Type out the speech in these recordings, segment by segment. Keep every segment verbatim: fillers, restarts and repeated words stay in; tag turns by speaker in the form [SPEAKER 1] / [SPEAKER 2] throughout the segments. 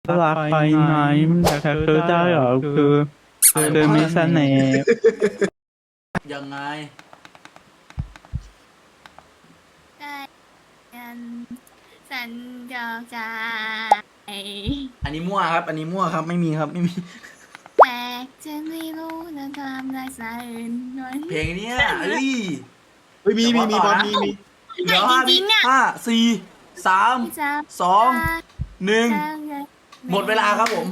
[SPEAKER 1] รักไปไหมแต่เธอได้เหรอคือเธอมีเสน่ห์
[SPEAKER 2] ยังไง
[SPEAKER 3] ได้กันสัญจรใจ
[SPEAKER 2] อันนี้มั่วครับ อันนี้มั่วครับ ไม่มีครับ ไม่มี
[SPEAKER 3] แต่ฉันไม่รู้นะทำได้สายอื่นวัน
[SPEAKER 2] เพลงเนี้ยเอ้ย
[SPEAKER 4] เฮ้ยมีมีมี
[SPEAKER 2] เดี๋ยว
[SPEAKER 4] บอล
[SPEAKER 2] ต่อนะ
[SPEAKER 4] มีมี
[SPEAKER 2] เดี๋ยวห้า
[SPEAKER 3] จริงๆอ่ะ
[SPEAKER 2] ห้าสี่สาม
[SPEAKER 3] ที่จะ
[SPEAKER 2] สองหนึ่ง
[SPEAKER 3] จะ
[SPEAKER 2] หมดเวลาครับผม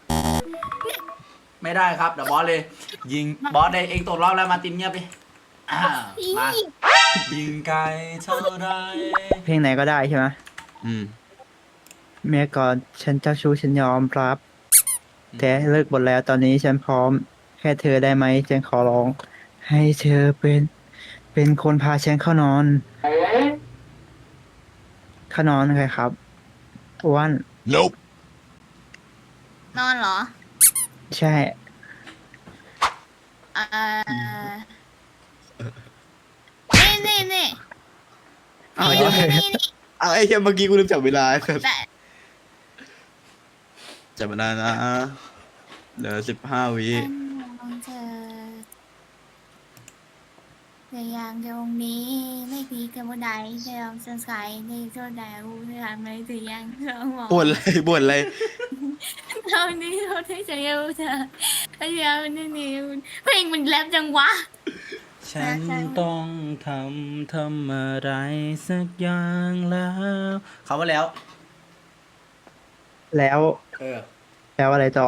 [SPEAKER 2] ไม่ได้ครับ เดี๋ยวบอสเลย ยิงบอสได้เองตกรอบแล้วมาตินเงียบไปอ่ามา ยิงไกลเท่าไร
[SPEAKER 1] เพลงไหนก็ได้ใช่ไหม
[SPEAKER 4] อืม
[SPEAKER 1] เมียก่อนฉันเจ้าชู้ฉันยอมรับ แต่เลิกหมดแล้วตอนนี้ฉันพร้อม แค่เธอได้ไหมฉันขอร้อง ให้เธอเป็น เป็นคนพาฉันเข้านอนเข้านอนใครครับอ้วน
[SPEAKER 4] nope
[SPEAKER 3] นอนเหรอ
[SPEAKER 1] ใช่
[SPEAKER 3] เอ่อนี่นี่นี่
[SPEAKER 1] เอา
[SPEAKER 3] นี่
[SPEAKER 1] เยอะ
[SPEAKER 3] นี่นี่
[SPEAKER 4] เอาไอ้เหี้ยเมื่อกี้กูลืมจับเวลา
[SPEAKER 3] แต่
[SPEAKER 4] จับเวลานะเหลือสิบห้าวิ
[SPEAKER 3] ฉันมองเธอแต่อย่างตรงนี้ไม่พีกันบ่ได้แต่ยอมสงสัยในโซดารู้เรื่องไหมแต่ยังสมอง
[SPEAKER 4] บ่นอะไรบ่นอะไร
[SPEAKER 3] เท่านี้เราได้ใจเอาเธอพยายามนี่นี่เพลงมันแรปจังวะ
[SPEAKER 2] ฉันต้องทำทำอะไรสักอย่างแล้วเขาว่าแล้ว
[SPEAKER 1] แล้ว
[SPEAKER 2] เออ
[SPEAKER 1] แล้วอะไรต่อ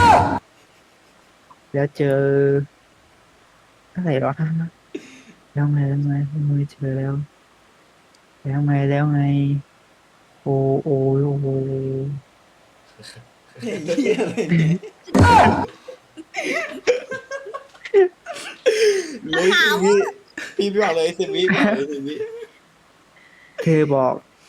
[SPEAKER 1] แล้วเจออะไรวะแล้วไงแล้วไงมือเจอแล้ว แล้วไงแล้วไง โอ้โอ้โอ้โอ้
[SPEAKER 2] เหี้ยอะไรเนี่ย
[SPEAKER 4] เหลยสิบวิพี่พี่บอกเลยสิบวิบอกเลยสิบวิ
[SPEAKER 1] เธอบอก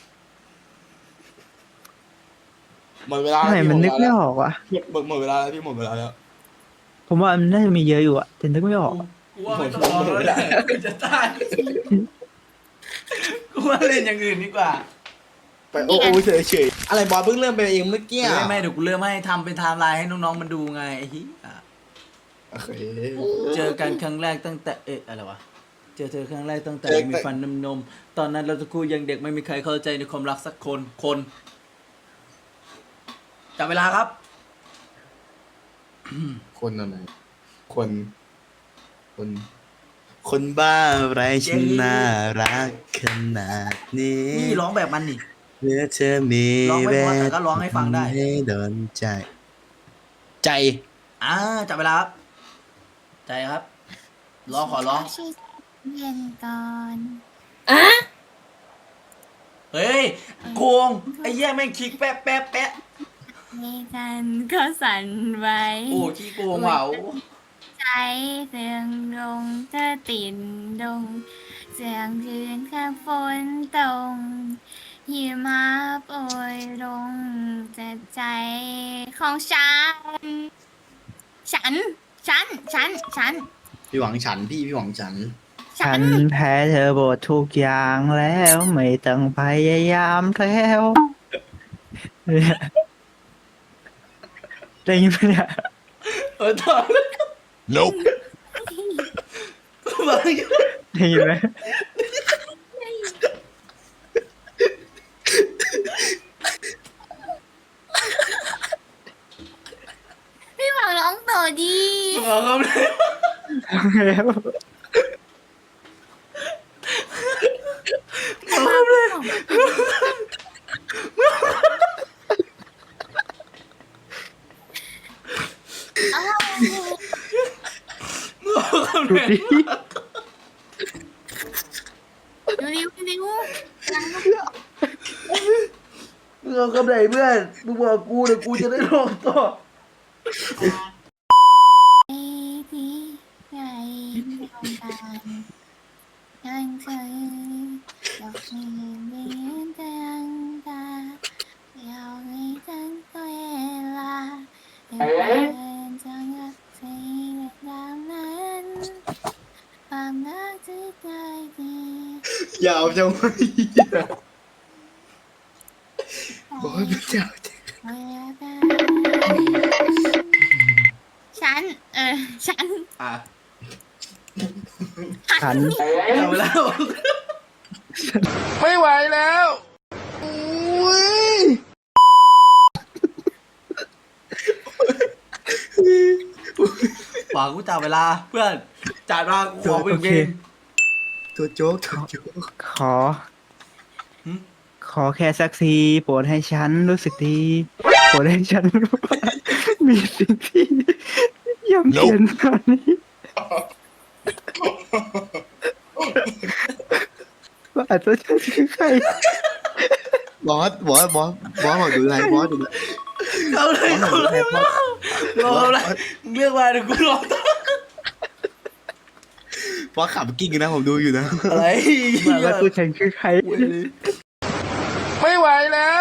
[SPEAKER 4] หมดเวลา
[SPEAKER 1] ทำไม
[SPEAKER 4] แล้วพี่
[SPEAKER 1] มันนึก
[SPEAKER 4] หด
[SPEAKER 1] ไม่
[SPEAKER 4] เวลา
[SPEAKER 1] ออกวะ
[SPEAKER 4] แล้วหมดหมดเวลาแล้วพี่หมดเวลาแล้ว
[SPEAKER 1] ผมว่ามันน่าจะมีเยอะอยู่อะแต่นึกไม่ออก
[SPEAKER 2] กูว่าไม่ต้องร้องแล้วแหละกูจะตายกูว่าเล่นอย่างอื่นดีกว่า
[SPEAKER 4] ไปโอ้โอ้เฉยเฉยอะไรบอลเพิ่งเริ่มไปเองเมื่อกี้
[SPEAKER 2] ไม่ไม่เดี๋ยวกูเริ่มให้ทำเป็นไทม์ไลน์ให้น้องๆมันดูไงไอ้เหี้ย
[SPEAKER 4] โอเค
[SPEAKER 2] เจอกันครั้งแรกตั้งแต่เอ๊ะอะไรวะเจอเธอครั้งแรกตั้งแต่
[SPEAKER 4] เจอ
[SPEAKER 2] มีฟันนมนมตอนนั้นเราตะคู่ยังเด็กไม่มีใครเข้าใจในความรักสักคนคนจับเวลาครับ
[SPEAKER 4] คนอะไรคน คน คนบ้าอะไรฉันน่ารักขนาดนี้
[SPEAKER 2] นี่ร้องแบบมันนี่
[SPEAKER 4] เมื่อเธอมี
[SPEAKER 2] ร้องไม่เพราะแต่ก็ร้องให้ฟังได้
[SPEAKER 4] ให้โดนใจ ใจ
[SPEAKER 2] อ่าจับเวลาครับใจครับร้องขอร้อง
[SPEAKER 3] ชื่อเย็นก่อน
[SPEAKER 2] เฮ้ยโกงไอ้แย่แม่งคลิกแป๊ะแป๊ะแป๊ะ
[SPEAKER 3] ให้กันก็สั่นไหว
[SPEAKER 2] โอ้ขี้โกงว่ะโอ้
[SPEAKER 3] ใจเสียงลงเธอติดดงเสียงคืนข้างฝนตกหิมะโปรยลงแต่ใจของฉัน ฉัน ฉัน ฉัน ฉัน
[SPEAKER 4] พี่หวังฉันพี่พี่หวังฉัน
[SPEAKER 3] ฉั
[SPEAKER 1] ฉั
[SPEAKER 3] น
[SPEAKER 1] นแพ้เธอหมดทุกอย่างแล้วไม่ต้องพยายามแล้วเนี่ยได้ยินไหมเนี่ย
[SPEAKER 2] เออต่อเลย
[SPEAKER 4] nope
[SPEAKER 2] มา
[SPEAKER 1] ได้ยินไหม
[SPEAKER 3] พี่หวังร้องต่อดี
[SPEAKER 2] เอาครับเลย
[SPEAKER 1] แล้ว
[SPEAKER 3] อ้าว
[SPEAKER 2] เอาครับ
[SPEAKER 1] ดู
[SPEAKER 2] เลย
[SPEAKER 1] ดิ
[SPEAKER 3] ดูดิวดูดิว
[SPEAKER 2] มึงเอากับไหนเพื่อนมึงบอกกูเดี๋ยวกูจะได้ร้องต่อ
[SPEAKER 3] ไอ้ที่ใจต้องการยังเธออยากให้เห็นแต่ยังตาอยากให้ทั้งตัวเวลาให้เป็นจังหวะที่ดาวนั้นความรักที่ใจดี
[SPEAKER 4] ยาวจังวะโอ้ยไม่ยาวจัง
[SPEAKER 3] เมื่อได้ฉัน เออ ฉัน
[SPEAKER 2] อ่ะ
[SPEAKER 1] ฉัน
[SPEAKER 2] เอาเวลา
[SPEAKER 4] ไม่ไหวแล้วอุ้ย
[SPEAKER 2] หวังกูจับเวลาเพื่อนจ่ายมากูขอเพลงเพลง
[SPEAKER 4] ตัวโจ๊กตัวโจ๊ก
[SPEAKER 1] ขอ
[SPEAKER 2] หึ
[SPEAKER 1] ขอแค่สักทีโปรดให้ฉันรู้สึกดีโปรดให้ฉันรู้ว่ามีสิ่งที่ย่ำเย็นตอนนี้ว่าอาจจะฉันคือใคร
[SPEAKER 4] บอสบอสบอสบอสบอกดูอะไรบอสดูอะไร
[SPEAKER 2] เอาเลยกูเลยรอรออะไรมึงเรียกมาเดี๋ยวกูรอบ
[SPEAKER 4] อสขับกิ้งนะผมดูอยู่นะ
[SPEAKER 2] อะไร
[SPEAKER 1] ว่าแล้วตัวฉันคือใคร
[SPEAKER 4] ไม่ไหวแล้ว